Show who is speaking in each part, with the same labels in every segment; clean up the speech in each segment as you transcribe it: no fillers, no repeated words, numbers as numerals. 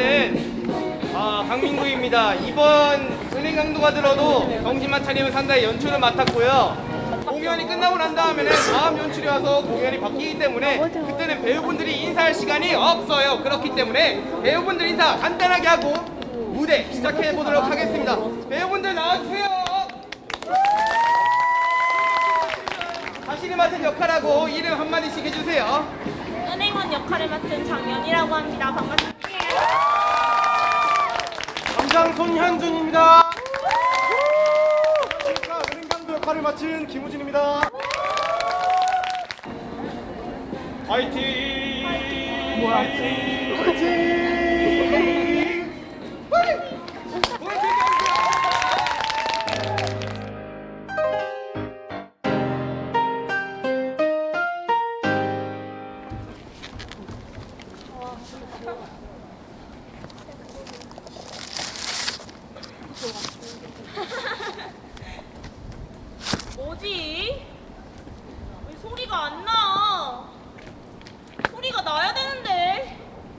Speaker 1: 저는 강민구입니다. 이번 은행 강도가 들어도 정신만 차리면 산다의 연출을 맡았고요. 공연이 끝나고 난 다음에는 다음 연출이 와서 공연이 바뀌기 때문에 그때는 배우분들이 인사할 시간이 없어요. 그렇기 때문에 배우분들 인사 간단하게 하고 무대 시작해 보도록 하겠습니다. 배우분들 나와주세요. 자신이 맡은 역할하고 이름 한마디씩 해주세요.
Speaker 2: 은행원 역할을 맡은 장연이라고 합니다. 반갑습니다.
Speaker 1: 감장 손현준입니다.
Speaker 3: 은행강도 역할을 맡은 김우진입니다.
Speaker 1: 화이팅!
Speaker 2: 뭐지? 왜 소리가 안 나? 소리가 나야 되는데.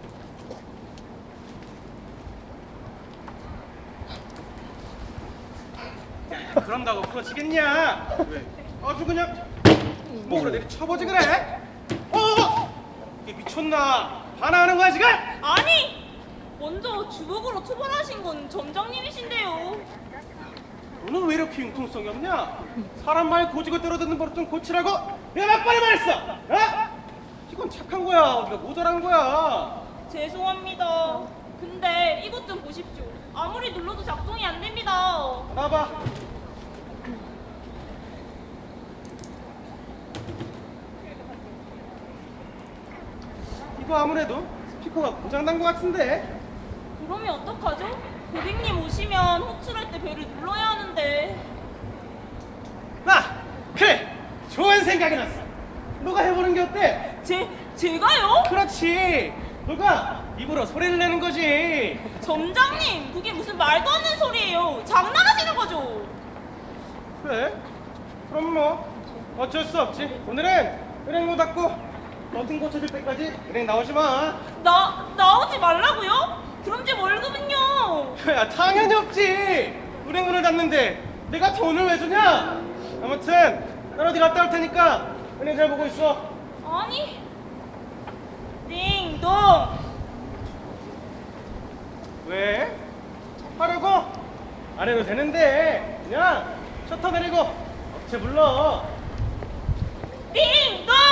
Speaker 1: 그런다고 부러지겠냐? 왜? 아주 그냥 목으로 내리 쳐보지 그래? 이게 미쳤나? 반항하는 거야 지금?
Speaker 2: 아니! 먼저 주먹으로 초벌하신 건 점장님이신데요.
Speaker 1: 너는 왜 이렇게 융통성이 없냐? 사람 말 고지고 때려듣는 버릇 좀 고치라고 내가 몇 번을 말했어! 이건 착한 거야. 어디가 모자란 거야.
Speaker 2: 죄송합니다. 근데 이것 좀 보십시오. 아무리 눌러도 작동이 안 됩니다.
Speaker 1: 나봐. 이거 아무래도 스피커가 고장난 것 같은데?
Speaker 2: 그러면 어떡하죠? 고객님 오시면 호출할 때 벨을 눌러야 하는데.
Speaker 1: 그래! 좋은 생각이 났어. 너가 해보는 게 어때?
Speaker 2: 제가요?
Speaker 1: 그렇지. 너가 입으로 소리를 내는 거지.
Speaker 2: 점장님, 그게 무슨 말도 안 되는 소리예요. 장난하시는 거죠?
Speaker 1: 그래? 그럼 뭐 어쩔 수 없지. 오늘은 은행 못 닫고 너등 고쳐줄 때까지 은행 나오지 마.
Speaker 2: 나오지 말라고요? 그럼 제 월급은요?
Speaker 1: 야, 당연히 없지. 은행 문을 닫는데 내가 돈을 왜 주냐? 아무튼 난 어디 갔다 올 테니까 은행 잘 보고 있어.
Speaker 2: 아니. 띵동.
Speaker 1: 왜? 하려고? 안 해도 되는데 그냥 셔터 내리고 업체 불러.
Speaker 2: 띵동.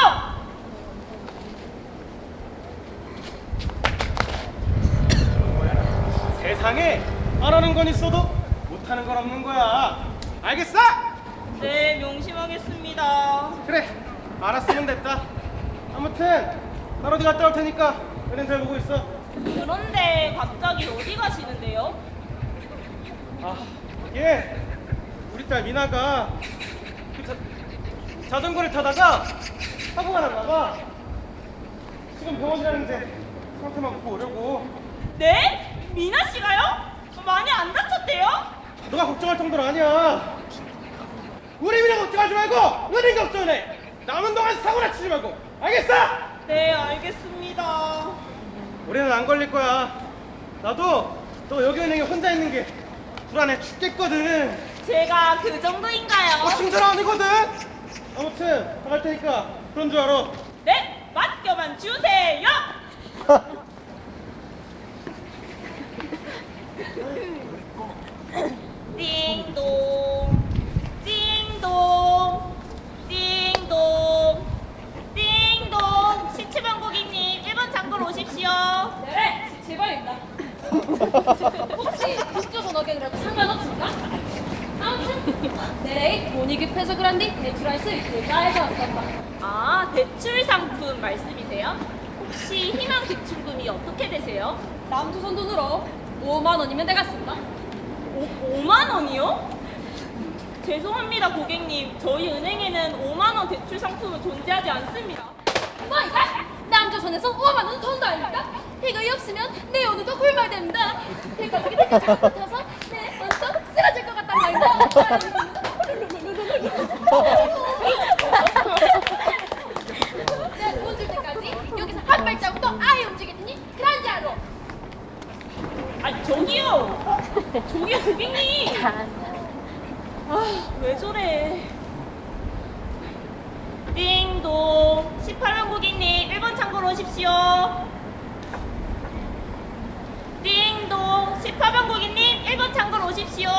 Speaker 1: 세상에 안 하는 건 있어도 못 하는 건 없는 거야. 알겠어?
Speaker 2: 네, 명심하겠습니다.
Speaker 1: 그래, 알았으면 됐다. 아무튼 난 어디 갔다 올 테니까 은행 잘 보고 있어.
Speaker 2: 그런데 갑자기 어디 가시는데요?
Speaker 1: 이게 우리 딸 미나가 자전거를 타다가 사고가 났나 봐. 지금 병원 가는데 상태만 보고 오려고.
Speaker 2: 네? 미나 씨가요? 많이 안 다쳤대요?
Speaker 1: 너가 걱정할 정도는 아니야. 우리 미나 걱정하지 말고 은행 걱정해. 남은 동안 사고나 치지 말고. 알겠어?
Speaker 2: 네, 알겠습니다.
Speaker 1: 우리는 안 걸릴 거야. 나도 너 여기 은행에 혼자 있는 게 불안해 죽겠거든.
Speaker 2: 제가 그 정도인가요?
Speaker 1: 친절 아니거든. 아무튼 나갈 테니까 그런 줄 알아.
Speaker 2: 네, 맡겨만 주세요. 띵동, 띵동, 띵동, 띵동. 시치방 고객님 1번 창고로 오십시오.
Speaker 4: 네, 제발입니다. 혹시 국조 전화기라도 상관없습니까? 아무튼 네, 돈이 급해서 그런디 대출할 수 있을까 해서 왔습니다.
Speaker 2: 아, 대출 상품 말씀이세요? 혹시 희망 대출금이 어떻게 되세요?
Speaker 4: 남조선 돈으로 5만 원이면 되겠습니다.
Speaker 2: 5만 원이요? 죄송합니다 고객님, 저희 은행에는 5만 원 대출 상품은 존재하지 않습니다.
Speaker 4: 뭐 이거? 남조선에서 5만 원 돈도 아닙니까? 이거 없으면 내 오늘도 굶어야됩니다. 이거 어떻게 잘못해서 내 먼저 쓰러질 것 같단 말이야. 내가 돈 줄 때까지 여기서 한 발자국도 아예 움직이더니 그런지 알아.
Speaker 2: 아, 저기요. 저기요, 고객님. 아, 왜 저래. 띵동. 18번 고객님, 1번 창고로 오십시오. 띵동. 18번 고객님, 1번 창고로 오십시오.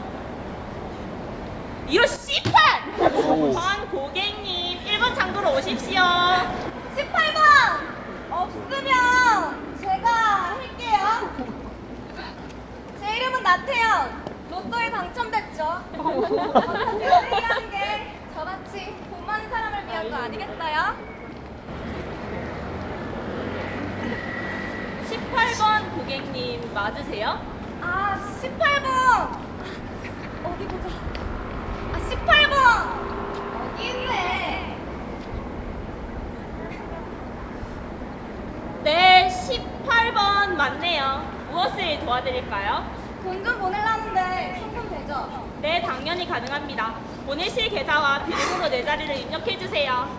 Speaker 2: 이런 씨판! 번 고객님, 1번 창고로 오십시오.
Speaker 4: 18번 없으면 제가 할게요. 제 이름은 나태현. 로또에 당첨됐죠. 어차피 게 저같이 돈 많은 사람을 위한 거 아니겠어요?
Speaker 2: 18번 고객님 맞으세요?
Speaker 4: 아, 18번. 어디 보자. 아, 18번. 여기 있네.
Speaker 2: 네, 18번 맞네요. 무엇을 도와드릴까요?
Speaker 4: 돈 좀 보내려는데 송금 되죠?
Speaker 2: 네, 당연히 가능합니다. 보내실 계좌와 비밀번호 4자리를 입력해주세요.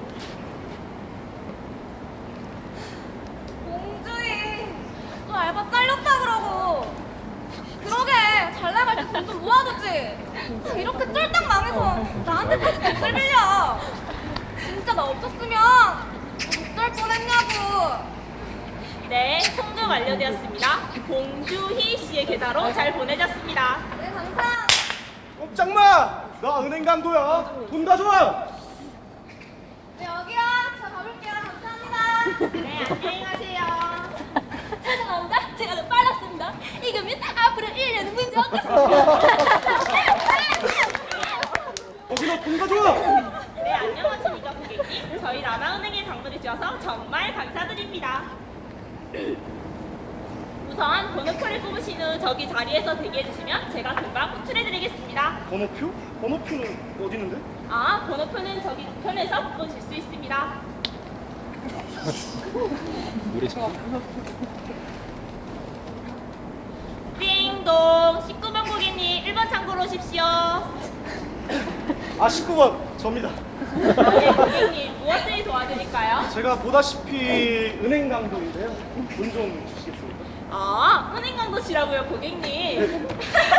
Speaker 4: 공주이 또 알바 잘렸다 그러고. 그러게 잘 나갈 때 돈 좀 모아두지. 아, 이렇게 쫄딱 망해서 나한테까지 돈을 빌려. 진짜 나 없었으면 어쩔 뻔했냐고.
Speaker 2: 네, 송금 완료되었습니다. 공주희 씨의 계좌로 잘 보내졌습니다.
Speaker 4: 네, 감사.
Speaker 3: 꼼짝마! 나 은행 강도야. 돈 가져와.
Speaker 4: 네, 여기요. 저 가볼게요. 감사합니다.
Speaker 2: 네, 안녕히 가세요.
Speaker 4: 죄송합니다. 제가 좀 빨랐습니다. 이거면 앞으로 1년은 문제 없겠습니다.
Speaker 3: 거기서 돈 가져와.
Speaker 2: 네, 안녕하십니까 고객님. 저희 라나은행에 방문해 주셔서 정말 감사드립니다. 우선 번호표를 뽑으신 후 저기 자리에서 대기해 주시면 제가 금방 호출해 드리겠습니다.
Speaker 3: 번호표? 번호표는 어디 있는데?
Speaker 2: 아, 번호표는 저기 우편에서 보실 수 있습니다. 띵동. 19번 고객님 1번 창고로 오십시오.
Speaker 3: 아, 19번 접니다.
Speaker 2: 네, 고객님 무엇을 도와드릴까요?
Speaker 3: 제가 보다시피 은행 강도인데요. 돈 좀 주시겠습니까?
Speaker 2: 아, 은행 강도시라고요, 고객님.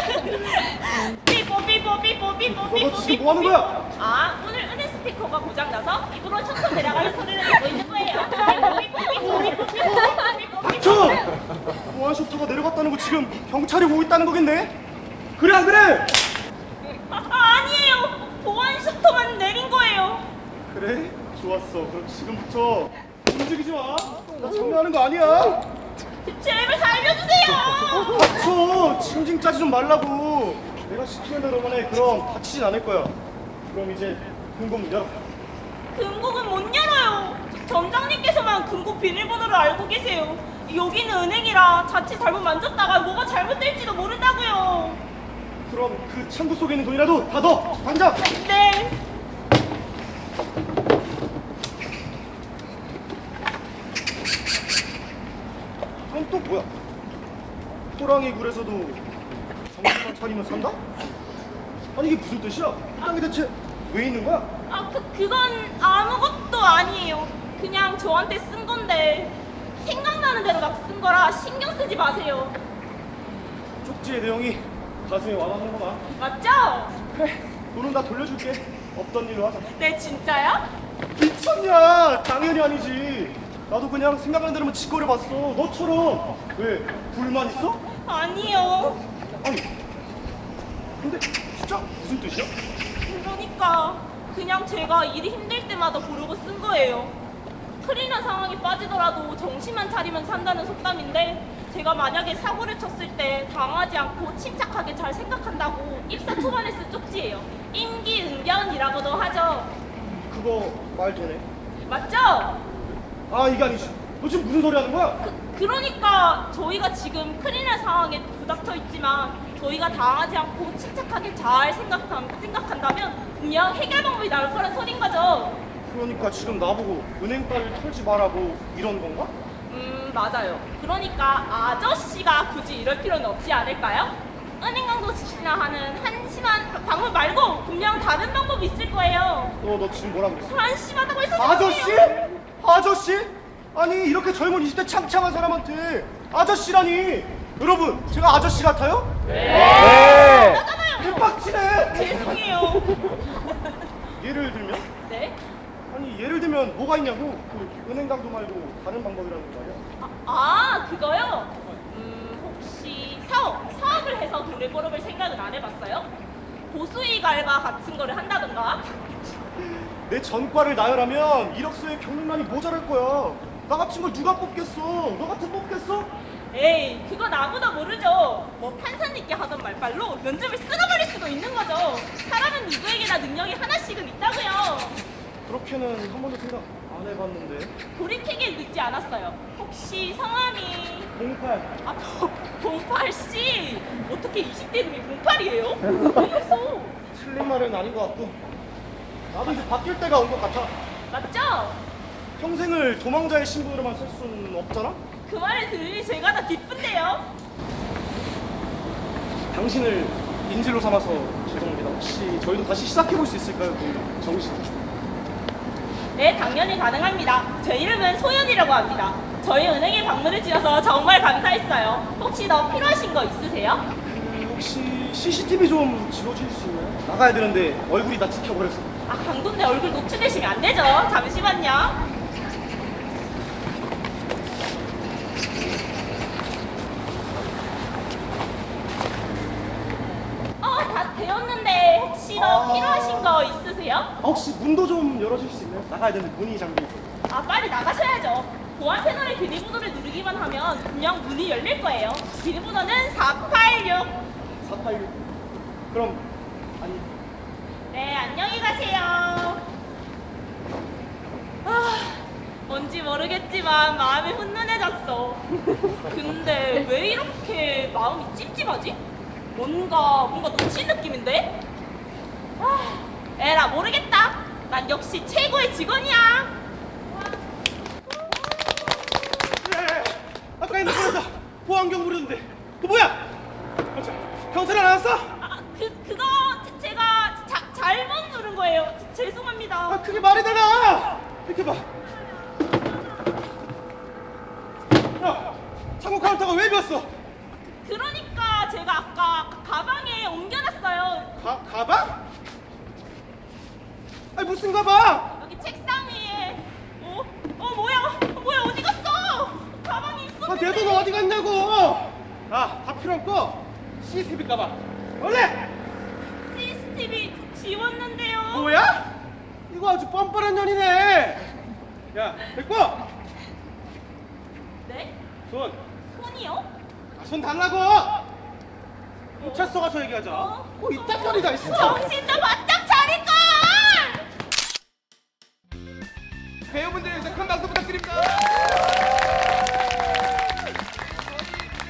Speaker 2: 삐뽀 삐뽀 삐뽀 삐뽀
Speaker 3: 너
Speaker 2: 삐뽀
Speaker 3: 지금 뭐 하는 거야?
Speaker 2: 아, 오늘 은행 스피커가 고장나서 입으로 척척 내려가는 소리를 내고 있는 거예요. 삐뽀 삐뽀 삐뽀 삐뽀 삐뽀 삐뽀
Speaker 3: 저!
Speaker 2: 삐뽀.
Speaker 3: 보안 셔터가 내려갔다는 거 지금 경찰이 오고 있다는 거겠네? 그래 안 그래?
Speaker 2: 아니에요. 보안 셔터만 내린 거예요.
Speaker 3: 그래? 좋았어. 그럼 지금부터 움직이지 마. 나 장난하는 거 아니야.
Speaker 2: 제발 살려주세요.
Speaker 3: 닥쳐. 징징 짜지 좀 말라고. 내가 시키는 대로만 해. 그럼 다치진 않을 거야. 그럼 이제 금고 문 열어.
Speaker 2: 금고는 못 열어요. 점장님께서만 금고 비밀번호를 알고 계세요. 여기는 은행이라 자칫 잘못 만졌다가 뭐가 잘못될지도 모른다고요.
Speaker 3: 그럼 그 창구 속에 있는 돈이라도 다 넣어. 당장.
Speaker 2: 네.
Speaker 3: 그럼 또 뭐야? 호랑이 굴에서도 정신만 차리면 산다? 아니 이게 무슨 뜻이야? 이 땅에 대체 왜 있는 거야?
Speaker 2: 아, 그건 아무것도 아니에요. 그냥 저한테 쓴 건데 생각나는 대로 막 쓴 거라 신경 쓰지 마세요.
Speaker 3: 쪽지의 내용이 가슴에 와닿는구나.
Speaker 2: 맞죠?
Speaker 3: 그래, 돈은 다 돌려줄게. 없던 일로 하자.
Speaker 2: 네, 진짜요?
Speaker 3: 미쳤냐? 당연히 아니지. 나도 그냥 생각나는 대로만 짓거려봤어. 너처럼. 왜? 불만 있어?
Speaker 2: 아니요.
Speaker 3: 아니, 근데 진짜 무슨 뜻이야?
Speaker 2: 그러니까 그냥 제가 일이 힘들 때마다 부르고 쓴 거예요. 큰일 난 상황에 빠지더라도 정신만 차리면 산다는 속담인데 제가 만약에 사고를 쳤을 때 당하지 않고 침착하게 잘 생각한다고 입사 초반에 쓴 쪽지예요. 임기응변이라고도 하죠.
Speaker 3: 그거 말 되네.
Speaker 2: 맞죠?
Speaker 3: 아, 이게 아니지. 너 지금 무슨 소리 하는 거야?
Speaker 2: 그러니까 저희가 지금 큰일 날 상황에 부닥쳐 있지만 저희가 당하지 않고 침착하게 잘 생각한다면 분명 해결 방법이 나올 거란 소린 거죠.
Speaker 3: 그러니까 지금 나보고 은행빨을 털지 말라고 이런 건가?
Speaker 2: 맞아요. 그러니까 아저씨가 굳이 이럴 필요는 없지 않을까요? 은행 강도 지시나 하는 한심한 방법 말고 분명 다른 방법이 있을 거예요.
Speaker 3: 너 지금 뭐라 그랬어?
Speaker 2: 한심하다고 해서
Speaker 3: 아저씨?
Speaker 2: 죄송해요.
Speaker 3: 아저씨? 아니 이렇게 젊은 20대 창창한 사람한테 아저씨라니. 여러분, 제가 아저씨 같아요?
Speaker 2: 맞잖아요.
Speaker 3: 개빡치네.
Speaker 2: 죄송해요.
Speaker 3: 예를 들면?
Speaker 2: 네?
Speaker 3: 아니 예를 들면 뭐가 있냐고. 그 은행 강도 말고 다른 방법이라는 거 아니야?
Speaker 2: 그거요? 혹시 사업을 해서 돈을 벌어볼 생각은 안 해봤어요? 보수익 알바 같은 거를 한다던가?
Speaker 3: 내 전과를 나열하면 이력서에 경력란이 모자랄 거야. 나 같은 걸 누가 뽑겠어? 너 같은 뽑겠어?
Speaker 2: 에이, 그건 아무도 모르죠. 뭐 판사님께 하던 말빨로 면접을 쓸어버릴 수도 있는 거죠. 사람은 누구에게나 능력이 하나씩은 있다고요.
Speaker 3: 그렇게는 한 번도 생각 안 해봤는데.
Speaker 2: 돌이키긴 늦지 않았어요. 혹시 성함이
Speaker 3: 08.
Speaker 2: 08씨? 어떻게 20대 이름이 08이에요? 왜 있어?
Speaker 3: 틀린 말은 아닌 것 같고 나도 이제 바뀔 때가 온 것 같아.
Speaker 2: 맞죠?
Speaker 3: 평생을 도망자의 신분으로만 살 수는 없잖아?
Speaker 2: 그 말을 들으니 제가 더 기쁜데요.
Speaker 3: 당신을 인질로 삼아서 죄송합니다. 혹시 저희도 다시 시작해볼 수 있을까요? 그 정신.
Speaker 2: 네, 당연히 가능합니다. 제 이름은 소연이라고 합니다. 저희 은행에 방문을 주셔서 정말 감사했어요. 혹시 더 필요하신 거 있으세요?
Speaker 3: 혹시 CCTV 좀 지워줄 수 있나요? 나가야 되는데 얼굴이 다 찍혀버렸어.
Speaker 2: 강도인데 얼굴 노출되시면 안 되죠. 잠시만요. 다 되었는데 혹시 더 필요하신 거 있으세요?
Speaker 3: 혹시 문도 좀 열어줄 수 있나요? 나가야 되는데 문이 잠겨있어.
Speaker 2: 빨리 나가셔야죠. 보안 패널의 비밀번호를 누르기만 하면 그냥 문이 열릴 거예요. 비밀번호는 486.
Speaker 3: 486. 그럼 아니
Speaker 2: 네, 안녕히 가세요. 뭔지 모르겠지만 마음이 훈훈해졌어. 근데 왜 이렇게 마음이 찝찝하지? 뭔가 놓친 느낌인데? 에라 모르겠다. 난 역시 최고의 직원이야.
Speaker 3: 그래. 아까 핸드폰에서 보안경 부르는데 그 뭐야? 경찰 안 왔어?
Speaker 2: 그거 제가 잘못 누른 거예요. 죄송합니다.
Speaker 3: 그게 말이 되나? 이렇게 봐. 야, 창고 카운터가 왜 비었어?
Speaker 2: 그러니까 제가 아까 가방에 옮겨놨어요.
Speaker 3: 가방? 아니 무슨 가방?
Speaker 2: 여기 책상 위에. 뭐야 어디 갔어? 가방이 있었는데.
Speaker 3: 내 돈 어디 갔냐고? 다 필요 없고 CCTV 가방. 원래
Speaker 2: CCTV 지웠는데요.
Speaker 3: 뭐야? 이거 아주 뻔뻔한 년이네. 야, 됐고.
Speaker 2: 네?
Speaker 3: 손.
Speaker 2: 손이요?
Speaker 3: 손 달라고. 경찰서 가서 얘기하자. 이딴 년이 다 있어.
Speaker 2: 정신도 바짝 차릴걸!
Speaker 1: 배우분들에서 큰 박수 부탁드립니다.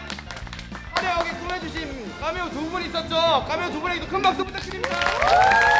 Speaker 1: 화려하게 꾸며주신 카메오 두 분 있었죠? 카메오 두 분에게도 큰 박수 부탁드립니다.